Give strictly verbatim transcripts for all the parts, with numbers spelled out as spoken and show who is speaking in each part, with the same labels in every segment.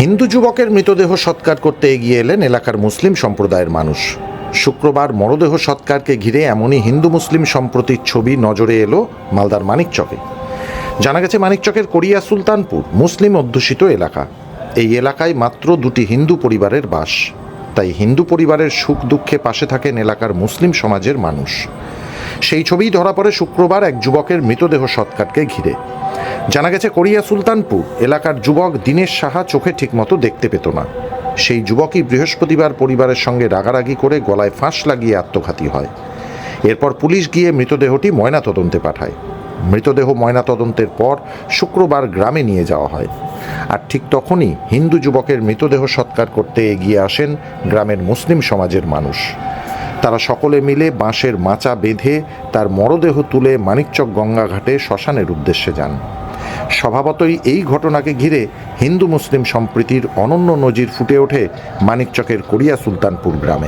Speaker 1: হিন্দু যুবকের মৃতদেহ সৎকার করতে এগিয়ে এলেন এলাকার মুসলিম সম্প্রদায়ের মানুষ। শুক্রবার মরদেহ সৎকারকে ঘিরে এমনই হিন্দু মুসলিম সম্প্রীতির ছবি নজরে এলো মালদার মানিকচকে। জানা গেছে, মানিকচকের কোরিয়া সুলতানপুর মুসলিম অধ্যুষিত এলাকা। এই এলাকায় মাত্র দুটি হিন্দু পরিবারের বাস, তাই হিন্দু পরিবারের সুখ দুঃখে পাশে থাকেন এলাকার মুসলিম সমাজের মানুষ। সেই ছবিই ধরা পড়ে শুক্রবার এক যুবকের মৃতদেহ সৎকারকে ঘিরে। জানা গেছে, কোরিয়া সুলতানপুর এলাকার যুবক দীনেশ সাহা চোখে ঠিকমতো দেখতে পেত না। সেই যুবকই বৃহস্পতিবার পরিবারের সঙ্গে রাগারাগি করে গলায় ফাঁস লাগিয়ে আত্মঘাতী হয়। এরপর পুলিশ গিয়ে মৃতদেহটি ময়নাতদন্তে পাঠায়। মৃতদেহ ময়নাতদন্তের পর শুক্রবার গ্রামে নিয়ে যাওয়া হয়। আর ঠিক তখনই হিন্দু যুবকের মৃতদেহ সৎকার করতে এগিয়ে আসেন গ্রামের মুসলিম সমাজের মানুষ। তারা সকলে মিলে বাঁশের মাচা বেঁধে তার মরদেহ তুলে মানিকচক গঙ্গাঘাটে শ্মশানের উদ্দেশ্যে যান। স্বভাবতই এই ঘটনাকে ঘিরে হিন্দু মুসলিম সম্প্রীতির অনন্য নজির ফুটে ওঠে মানিকচকের কোরিয়া সুলতানপুর গ্রামে।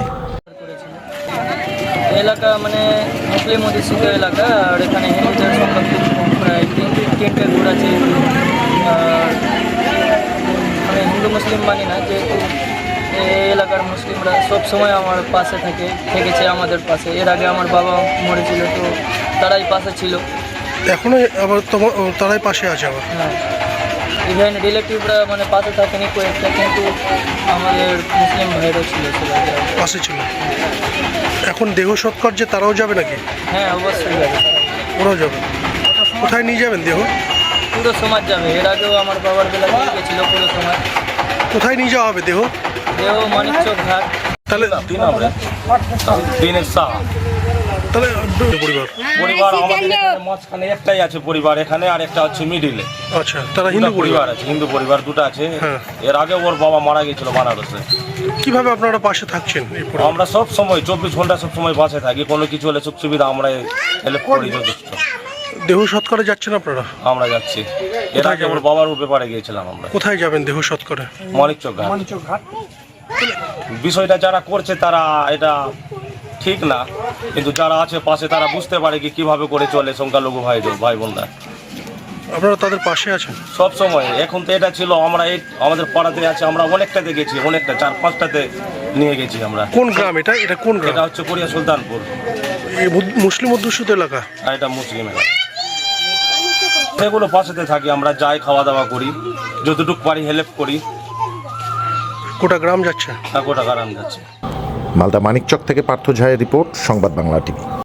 Speaker 2: এলাকা মানে মুসলিম অধ্যুষিত এলাকা, আর এখানে হিন্দুদের সংখ্যা খুব প্রায় তিন তিনটে ঘর আছে। আর আমি হিন্দু মুসলিম মানি না, যেহেতু এই এলাকার মুসলিমরা সব সময় আমার পাশে থাকে থেকেছে আমাদের পাশে। এর আগে আমার বাবা মরেছিল, তো তারাই পাশে ছিল,
Speaker 3: এখনো আবার তোমার তারাই পাশে আছে আবার।
Speaker 2: হ্যাঁ, ইভেন রিলেটিভরা মানে পাশে থাকেনি কয়েকটা, কিন্তু আমাদের মুসলিম ভাইরাও ছিল সেটা
Speaker 3: পাশে ছিল। এখন দেহ সৎকার যে তারাও যাবে নাকি?
Speaker 2: হ্যাঁ, অবশ্যই যাবে,
Speaker 3: ওরাও যাবে। কোথায় নিয়ে যাবেন দেহ?
Speaker 2: পুরো সমাজ যাবে। এর আগেও আমার বাবার বেলা নিয়ে গেছিল পুরো সমাজ।
Speaker 3: কোথায় নিয়ে যাওয়া হবে দেহ?
Speaker 2: দেহ মানিকচক ঘাট।
Speaker 3: তাহলে
Speaker 4: দীনেশ সাহা
Speaker 3: তাহলে পরিবার
Speaker 4: পরিবার আমাদের এখানে মাঝখানে একটাই আছে পরিবার এখানে, আর একটা হচ্ছে মিডিলে।
Speaker 3: আচ্ছা, তারা
Speaker 4: হিন্দু
Speaker 3: হিন্দু
Speaker 4: পরিবার
Speaker 3: পরিবার।
Speaker 4: আছে, হিন্দু পরিবার দুটো আছে।
Speaker 3: হ্যাঁ।
Speaker 4: এর আগে ওর বাবা মারা গেছিল বানারসে।
Speaker 3: কিভাবে আপনারা পাশে থাকছেন এই পরিবার?
Speaker 4: আমরা সব সময় চব্বিশ ঘন্টা সব সময় বাসে থাকি, কোনো কিছু হলে সুখ সুবিধা আমরা হেল্প করি যথেষ্ট।
Speaker 3: দেহ সৎকারে যাচ্ছেন আপনারা?
Speaker 4: আমরা যাচ্ছি। এর আগে ওর বাবার ব্যাপারে গিয়েছিলাম আমরা।
Speaker 3: কোথায় যাবেন দেহ সৎকারে?
Speaker 4: মানিকচক ঘাট। বিষয়টা যারা করছে তারা এটা ঠিক না, কিন্তু যারা আছে পাশে তারা বুঝতে পারে কি কিভাবে করে চলে সংখ্যালঘু ভাই ভাই বোনরা।
Speaker 3: আপনারা তাদের পাশে আছেন
Speaker 4: সব সময়। এখন তো এটা ছিল আমরা এই আমাদের পাড়াতে আছে, আমরা অনেকটাতে গেছি, অনেকটা চার পাঁচটাতে নিয়ে গেছি আমরা।
Speaker 3: কোন গ্রাম এটা? এটা কোন গ্রাম?
Speaker 4: এটা হচ্ছে কোরিয়া সুলতানপুর।
Speaker 3: এই মুসলিম অধ্যুষিত এলাকা?
Speaker 4: আর এটা মুসলিম এলাকা। সেগুলো পাশেতে থাকি, আমরা যাই, খাওয়া দাওয়া করি, যতটুকু পারি হেল্প করি।
Speaker 3: গোটা গ্রাম যাচ্ছে?
Speaker 4: গোটা গ্রাম যাচ্ছে।
Speaker 1: মালদা মানিকচক থেকে পার্থ ঝায়ের রিপোর্ট, সংবাদ বাংলা টিভি।